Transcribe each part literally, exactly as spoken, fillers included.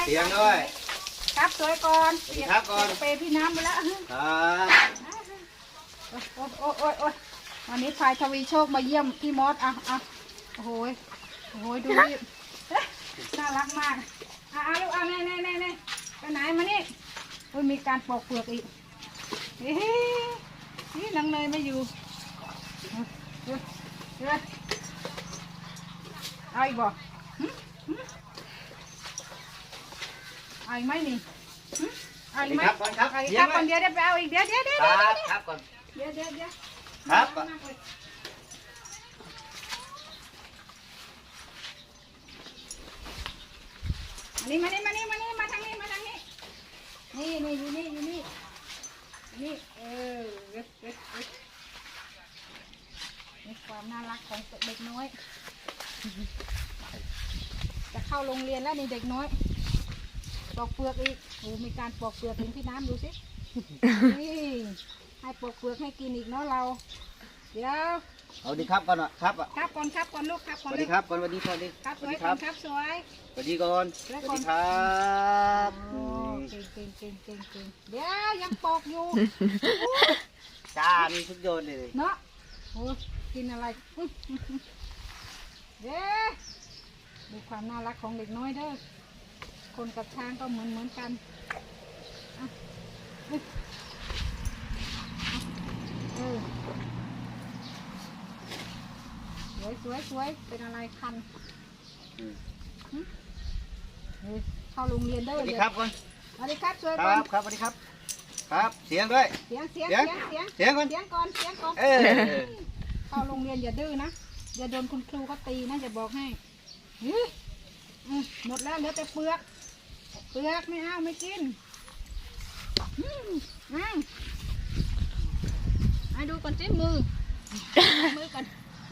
เสียงด้วยครับสวยก่อนครับก่อนเปย์พี่น้ำไปแล้วครับโอ้โอ้โอ้โอ้วันนี้พายทวีโชคมาเยี่ยมพี่มอสอ่ะอ่ะโอ้โหโอ้โหดูนี่น่ารักมากอ่ะเอาลูกเอาแน่แน่แน่แน่ไปไหนมานี่โอ้ยมีการปอกเปลือกอีกเฮ้ยนี่นางเนยไม่อยู่เดี๋ยวเดี๋ยวเอาอีกบ่เอาอีกไหมนี่เอาอีกไหมครับก่อนครับเอาอีกครับก่อนเดี๋ยวเดี๋ยวไปเอาอีกเดี๋ยวเดี๋ยวเดี๋ยวครับครับก่อนเดี๋ยวเดี๋ยวเดี๋ยวครับมานี่มานี่มานี่มานี่มาทางนี้มาทางนี้นี่นี่อยู่นี่อยู่นี่นี่เออเว็บเว็บเว็บนี่ความน่ารักของเด็กน้อยจะเข้าโรงเรียนแล้วนี่เด็กน้อยปอกเปลือกอีกโอ้มีการปอกเปลือกเห็นพี่น้ำดูสินี่ให้ปอกเปลือกให้กินอีกเนาะเราเดี๋ยวเอาดีครับก่อนครับครับก่อนครับก่อนลูกครับก่อนสวัสดีครับก่อนสวัสดีสวัสดีครับสวยก่อนครับสวยสวัสดีก่อนสวัสดีครับโอ้เก่งเก่งเก่งเก่งเก่งเดี๋ยวยังปอกอยู่จ้ามีทุกโยนเลยเนาะโอ้กินอะไรเด้ดูความน่ารักของเด็กน้อยเด้อคนกับช้างก็เหมือนเหมือนกันเออสวยสวยสวยเป็นอะไรคันเข้าโรงเรียนเด้อสวัสดีครับก่อนสวัสดีครับสวยคก่อรันบครับสวัสดีครับครับเสียงด้วยเสียงเสียงเสียงเสียงเสียงก่อนเสียงก่อนเสียงก่อนเออเข้าโรงเรียนอย่าดื้อนะอย่าโดนคุณครูเขาตีนะจะบอกให้หมดแล้วเหลือแต่เปลือกเปลือกไม่เอาไม่กินอ้าวให้ดูก่อนสิมือมือก่อน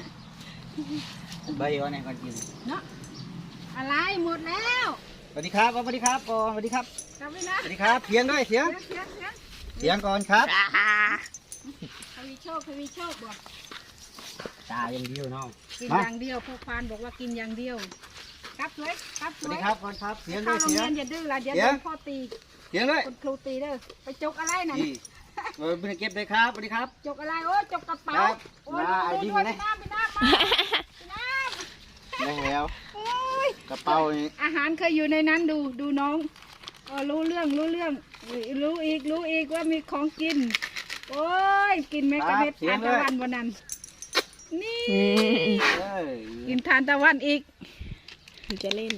ใบก่อนเนี่ยก่อนกินเนาะอะไรหมดแล้วสวัสดีครับสวัสดีครับก่อนสวัสดีครับกลับไปนะสวัสดีครับเสียงด้วยเสียงเสียงเสียงเสียงก่อนครับทวีโชคทวีโชคบอกตาอย่างเดียวน้องกินอย่างเดียวพ่อควานบอกว่ากินอย่างเดียวครับสวยครับสสวัสวดียครับก่อนครับเสียงด้เข้าวยโรงเสียงเรียนอย่าดื้อละเดี๋ยวเสีโดยงนพ่อตีเสียงด้วยคุณครูตีเด้อไปจกอะไรน่ะนี่เออเก็บเลยครับสวัสดีครับจกอะไรโอ้จกกระเป๋าครับโอ้ยมาดูไอ้ดูดิ้งด้วยนะพี่น้ำพี่น้ำมาพี่น้ำได้แล้วโอ้ยกระเป๋านี่อาหารเคยอยู่ในนั้นดูดูน้องเออรู้เรื่องรู้เรื่องรู้อีกรู้อีกว่ามีของกินโอ้ยกินแม่กระเม็ดทานตะวันวันนั้นนี่เอ้ยกินทานตะวันอีกจะเล่น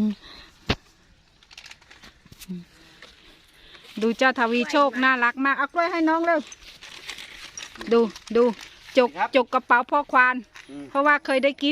ดูเจ้าทวีโชคน่ารักมากเอากล้วยให้น้องเร็วดูดูจกจกกระเป๋าพ่อควานเพราะว่าเคยได้กิน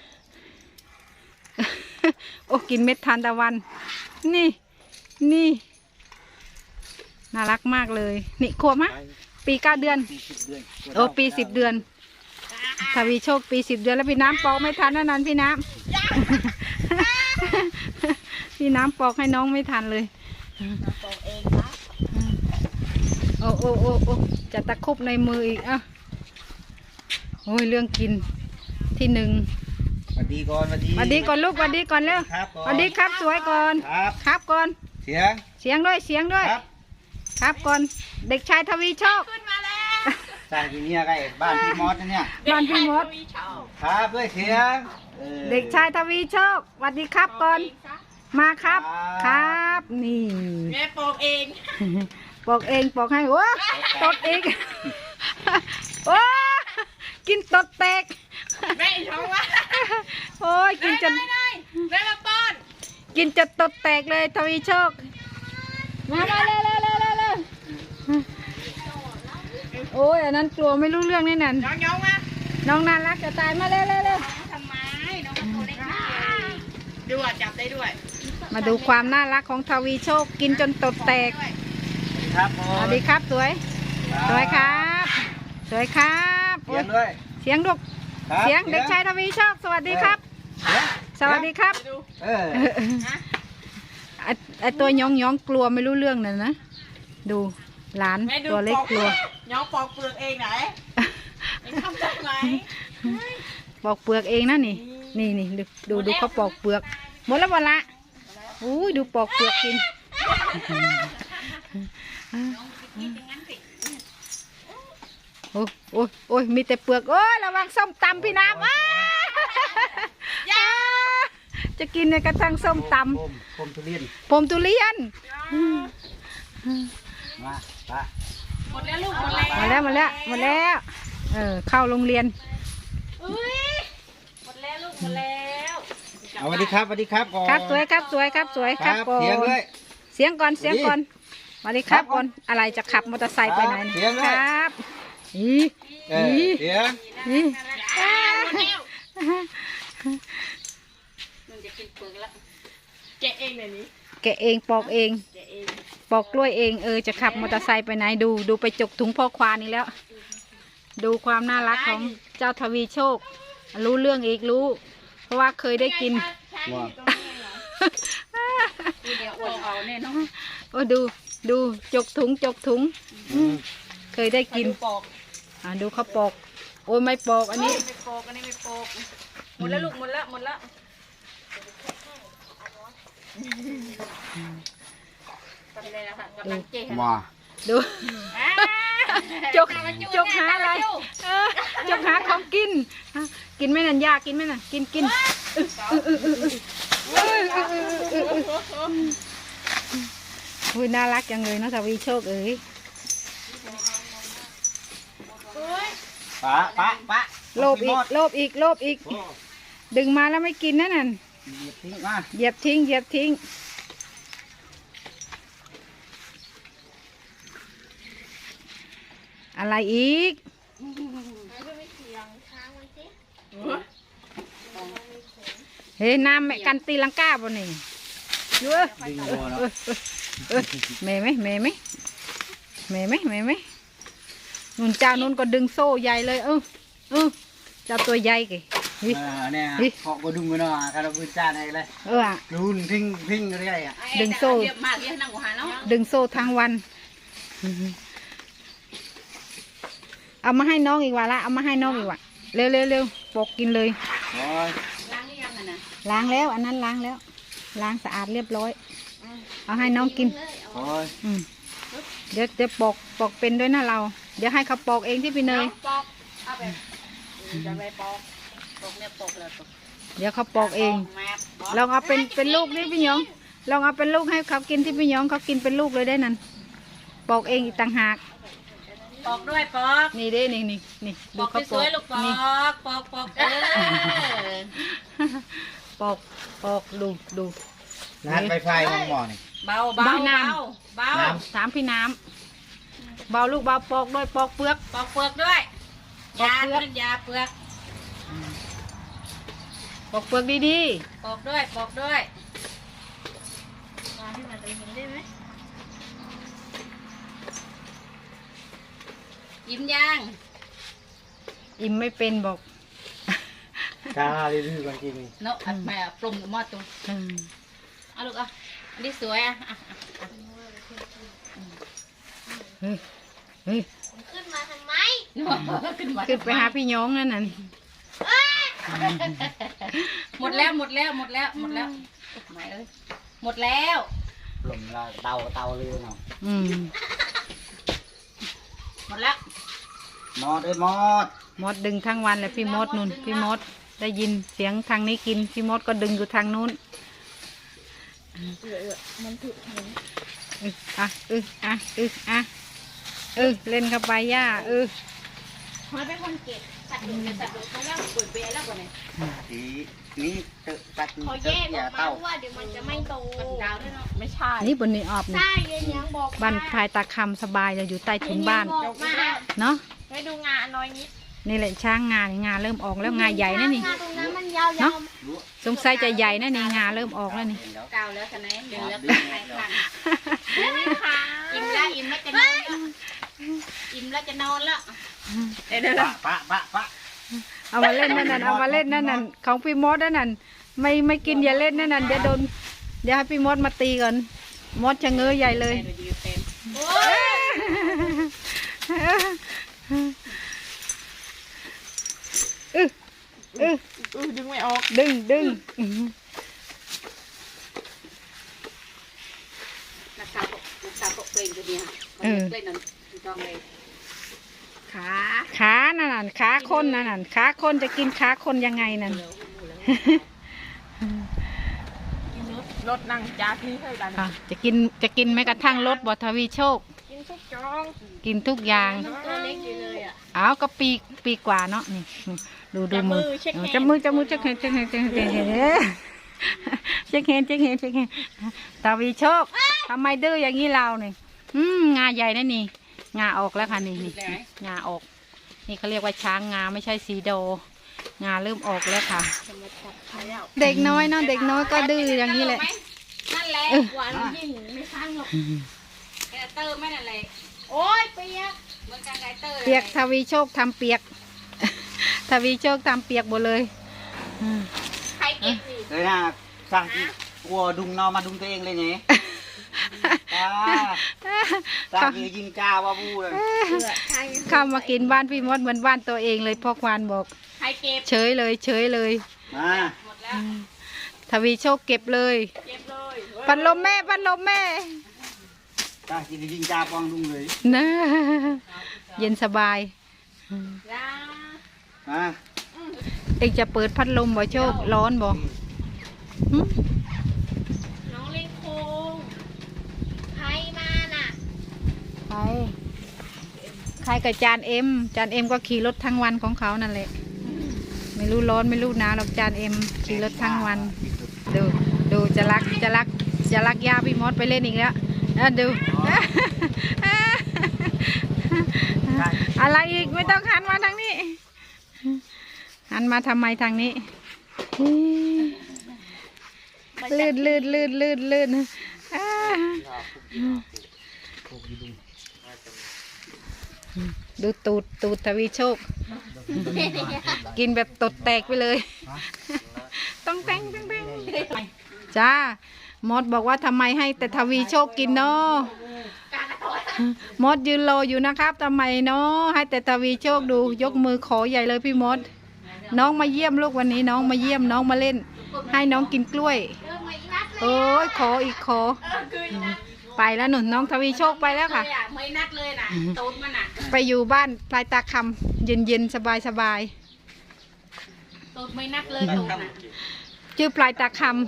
โอ้กินเม็ดทานตะวันนี่นี่น่ารักมากเลยนี่ขวบมะปีเก้าเดือนปีสิบเดือนโอ้ปีสิบเดือนทวีโชคปีสิบเดือนแล้วพี่น้ำปอกไม่ทันนั่นนั่นพี่น้ำ พี่น้ำปอกให้น้องไม่ทันเลยปอกเองครับโอ้โอ้โอ้โอ้จะตะคุบในมืออีกอ่ะโอ้ยเรื่องกินที่หนึ่งสวัสดีก่อนสวัสดีสวัสดีก่อนลูกสวัสดีก่อนเร็วครับก่อนสวัสดีครับสวยก่อนครับครับก่อนเสียงเสียงด้วยเสียงด้วยครับครับก่อนเด็กชายทวีโชคสร้างที่เนี่ยใกล้บ้านพี่มอสนะเนี่ยบ้านพี่มดครับด้วยเสียงออเด็กชายทวีโชคสวัสดีครับก่อนมาครับครับนี่แม่ปอกเองปอกเองปอกให้โอ้ตดอีกโอ้กินตดแตกแม่ชอบว่าโอ้ยกินจนแม่มาป้อนกินจนตดแตกเลยทวีโชคมามาเร็วเร็วเร็วเร็วเร็วโอ้ยอันนั้นกลัวไม่รู้เรื่องแน่นอนน้องยองมาน้องน่ารักจะตายมาเร็วเร็วเร็วทำไมน้องมันตัวเล็กนิดเดียวดูอ่ะจับได้ด้วยมาดูความน่ารักของทวีโชคกินจนตดแตกครับผสมวัสดีครับสวยสวยครับสวยครับเสียงด้วยเสียงดุกครับเสียงเด็กชายทวีโชคสวัสดีครับเสียงสวัสดีครับเออไอ้ไอตัวยองยองกลัวไม่รู้เรื่องน่ะนะดูหลานแม่ดูตัวเล็กกลัวน้องปอกเปลือกเองไหนทำได้ไหมปอกเปลือกเองนะนี่นี่นี่ดูดูดูเขาปอกเปลือกหมดแล้วหมดละอุ้ยดูปอกเปลือกกินโอ้โอ้โอ้ยมีแต่เปลือกโอ้ยระวังส้มตำพี่น้ำอ้าจะกินในกระทั่งส้มตผมผมทุเรียนำผมทุเรียนมาปะหมดแล้วลูกหมดแล้วมาแล้วมาแล้วมาแล้วเออเข้าโรงเรียนอุ้ยหมดแล้วลูกหมดแล้วเอาสวัสดีครับสวัสดีครับก่อนครับสวยครับสวยครับสวยคครัรับบ ก่อนเสียงด้วยเสียงก่อนเสียงก่อนสวัสดีครับครับก่อนอะไรจะขับมอเตอร์ไซค์ไปไหนเสียงด้วยครับอีเอออีเสียงอีอ้าวหมดแล้วมันจะกินเปลือกแล้วแกะเองเลยนี้แกะเองปอกเองแกะเองปอกกล้วยเองเออจะขับมอเตอร์ไซค์ไปไหนดูดูไปจกถุงพ่อควานี่แล้ว ดูความน่ารักของเจ้าทวีโชค รู้เรื่องอีกรู้ เพราะว่าเคยได้กินว่าทีเดียวอวดเอาแน่นอนโอ้ดูดูจกถุงจกถุงอืมเคยได้กินดูปอกอ่าดูเขาปอก โอ้ยไม่ปอกอันนี้ไม่ปอกอันนี้ไม่ปอกหมดแล้วลูกหมดแล้วหมดแล้วทำอะไรนะคะกำลังเจ๊มาดูอ่าจกจกหาอะไรเออจกหาของกินอ่ะกินไหมนันยากินไหมน่ะกินกินอุ้ยน่ารักจังเลยเนาะทวีโชคเอ้ยปะปะปะโลภอีกโลภอีกโลภอีกโอ้ดึงมาแล้วไม่กินนั่นน่ะเหยียบทิ้งมาเหยียบทิ้งเหยียบทิ้งอะไรอีกเฮ้ยน้ำแม่กันตีลังกาบ่นี่เยอะดึงโดนแล้วเออแม่ไหมแม่ไหมแม่ไหมแม่ไหมนุ่นเจ้านุ่นก็ดึงโซ่ใหญ่เลยเออเออเจ้าตัวใหญ่กี่เออเนี่ยเคาะก็ดุมกันเนาะการเอาปืนจ้าในเลยเอออะรุนทิ้งทิ้งอะไรอ่ะดึงโซ่เรียบมากเรียบนั่งหัวหาเนาะดึงโซ่ทั้งวัน เอามาให้น้องอีกว่าละเอามาให้น้องอีกว่าเร็วเร็วเร็วปกกินเลยโอ้ยล้างหรือยังอ่ะนะล้างแล้วอันนั้นล้างแล้ว ล้างสะอาดเรียบร้อย เอาให้น้องกินโอ้ยอืมเดี๋ยวเดี๋ยวปอกปอกเป็นด้วยนะเรา เดี๋ยวให้เขาปอกเองที่พี่เนยปอกเอาไปจะไปปอกปอกเนี่ยปอกเลยปอกเดี๋ยวเขาปอกเองมาลองเอาเป็นเป็นลูกนี่พี่หยองลองเอาเป็นลูกให้เขากินที่พี่หยองเขากินเป็นลูกเลยได้นั่นปอกเองอีกต่างหากปอกด้วยปอกนี่เด้นี่นี่นี่ปดูอกเขาสปอวยกๆลูกปอนี่กปอกปอกเออปอกปอกดูดูรหัสไฟไฟมองหมอนี่เบาเบาเบาเบาถามพี่น้ำเบาลูกเบาปอกด้วยปอกเปลือกปอกเปลือกด้วยปอกยาเปลือกเป็นยาเปลือกปอกเปลือกดีปอกด้วยปอกด้วยมาที่มาตรงนี้ได้ไหมยิ้มยังๆอิ่มไม่เป็นบอกกาเลยดื้อกันจริงเนาะอัดแม่ปรุงหม้อตัวอืมเอาลูกอ่ะอันนี้สวยอ่ะอ่ะเฮ้ยเฮ้ยขึ้นมาทำไมขึ้นมาขึ้นไปหาพี่หยองนั่นน่ะหมดแล้วหมดแล้วหมดแล้วหมดแล้วไม่เอ้ยหมดแล้วปลุ่มละเตาเตาเลยเนาะอืมหมดแล้วมอดเอ้ยมอดมดดึงทั้งวันเลยพี่มดนุ่นพี่มดได้ยินเสียงทางนี้กินพี่มดก็ดึงอยู่ทางนู้นมันถูกอ่ะเอออ่ะเอออ่ะเออเล่นเข้าไปย่าเออพอเป็นคนเก็บสัตว์ดุสัตว์ดุเขาแล้วเปิดเบแล้วกว่านี้ทีนี้เตะตัดเขาเตะแยกออย่าอกมาเต้าเพราะว่าเดี๋ยวมันจะไม่โตกันดาวด้วยเนาะไม่ใช่นี่บนนี้ออบนี่ใช่เย็นยังบอกบ้านพายตาคำสบายจะอยู่ใต้ถุนบ้านเย็บอกมาเนาะให้ดูงาน้อยนิดนี่แหละช้างงานงาเริ่มออกแล้วงาใหญ่นะนี่งาตรงนั้นมันยาวเนาะๆสงสัยจะใหญ่นะนี่งาเริ่มออกแล้วนี่เก่าแล้วกันไหนเดี๋ยวแล้วกันไหนคันอิ่มแล้วอิ่มแล้วจะนอนแล้วอิ่มแล้วจะนอนแล้วเดี๋ยวเดี๋ยวปะปะปะปะเอามาเล่นนั่นน่ะเอามาเล่นนั่นน่ะของพี่มดนั่นน่ะไม่ไม่กินอย่าเล่นนั่นน่ะเดี๋ยวโดนเดี๋ยวให้พี่มดมาตีก่อนมดชะเง้อใหญ่เลย อึอึดึงไม่ออกดึงดึงลงตัวเนี้ยเออเล่นนั่นจองเลยขาขานั่นน่ะขาคนนั่นน่ะขาคนจะกินขาคนยังไงนั่นรถนั่งจ้าที่ให้ดันอ่ะจะกินจะกินแม้กระทั่งรถบทวีโชคกินทุกจองกินทุกอย่างตัวเล็กอยู่เลยอ่ะอ้าวก็ปีปีกว่าเนาะนี่ดูดูมือจับมือจับมือจับเห็นจับเห็นจับเห็นจับเห็นจับเห็นจับเห็นจับเห็นทวีโชคทำไมดื้ออย่างนี้เราเนี่ยอืมงาใหญ่นะนี่งาออกแล้วค่ะนี่นี่งาออกนี่เขาเรียกว่าช้างงาไม่ใช่สีโดงาเริ่มออกแล้วค่ะ เด็กน้อยเนาะเด็กน้อยก็ดื้ออย่างนี้แหละนั่นแหละหวานยิ่งไม่ข้างหรอกไก่เตอร์ไม่นั่นแหละโอ้ยเปียกเหมือนกันไก่เตอร์เปียกทวีโชคทำเปียก ทวีโชคทำเปียกหมดเลยอืมใครเก็บสิเลยนะสั่งกินกลัวดุงนอมาดุงตัวเองเลยเนี่ยจ้าสั่งกินยิงจ้าว่าบูเลยเข้ามากินบ้านพี่มดเหมือนบ้านตัวเองเลยพ่อควานบอกใครเก็บเฉยเลยเฉยเลยมาหมดแล้วทวีโชคเก็บเลยเก็บเลยพัดลมแม่พัดลมแม่สั่งกินยิงจ้าปองดุงเลยนะเย็นสบายจ้ามาเองจะเปิดพัดลมบ่โชคร้อนบ่หึน้องเล่นโคงใครมาน่ะใครใครกับจานเอ็มจานเอ็มก็ขี่รถทั้งวันของเขานั่นแหละไม่รู้ร้อนไม่รู้หนาวหรอกจานเอ็มขี่รถทั้งวัน ดูดูจะรักจะรักจะรักยาพี่มดไปเล่นอีกแล้วอ่ะดู อะไรอีกไม่ต้องหันมาทางนี้หันมาทำไมทางนี้ลื่นลื่นลื่นลื่นลื่นอ่าดูตูดตูดทวีโชค กินแบบตดแตกไปเลย ต้องแตงต้องแตงจ้ามดบอกว่าทำไมให้แต่ทวีโชคกินเนาะมดยืนรออยู่นะครับทำไมเนาะให้แต่ทวีโชคดูยกมือขอใหญ่เลยพี่มด น้องมาเยี่ยมลูกวันนี้น้องมาเยี่ยมน้องมาเล่น ให้น้องกินกล้วยโอ้ยขออีกขอไปแล้วหนุนน้องทวีโชคไปแล้วค่ะไม่นัดเลยน่ะตูดมันน่ะไปอยู่บ้านปลายตาคำเย็นเย็นสบายสบายตูดไม่นัดเลยตูดน่ะชื่อปลายตาคำ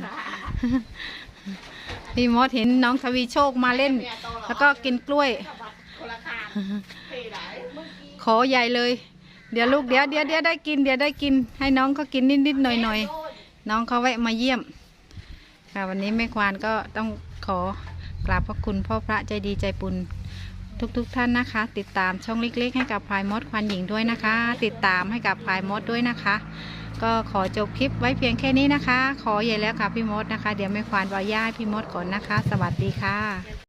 พี่มดเห็นน้องทวีโชคมาเล่น แล้วก็กินกล้วยคนละคางขอใหญ่เลย เดี๋ยวลูกเดี๋ยวเดี๋ยวเดี๋ยวได้กินเดี๋ยวได้กิน ให้น้องเขากินนิดนิดหน่อยหน่อยน้องเขาแวะมาเยี่ยมค่ะวันนี้แม่ควานก็ต้องขอกราบพระคุณพ่อพระใจดีใจบุญทุกๆทท่านนะคะ ติดตามช่องเล็กๆให้กับพลายมดควานหญิงด้วยนะคะ ติดตามให้กับพลายมดด้วยนะคะ ก็ขอจบคลิปไว้เพียงแค่นี้นะคะ ขอใหญ่แล้วค่ะพี่มดนะคะ เดี๋ยวแม่ควานวาย่าให้พี่มดก่อนนะคะ สวัสดีค่ะ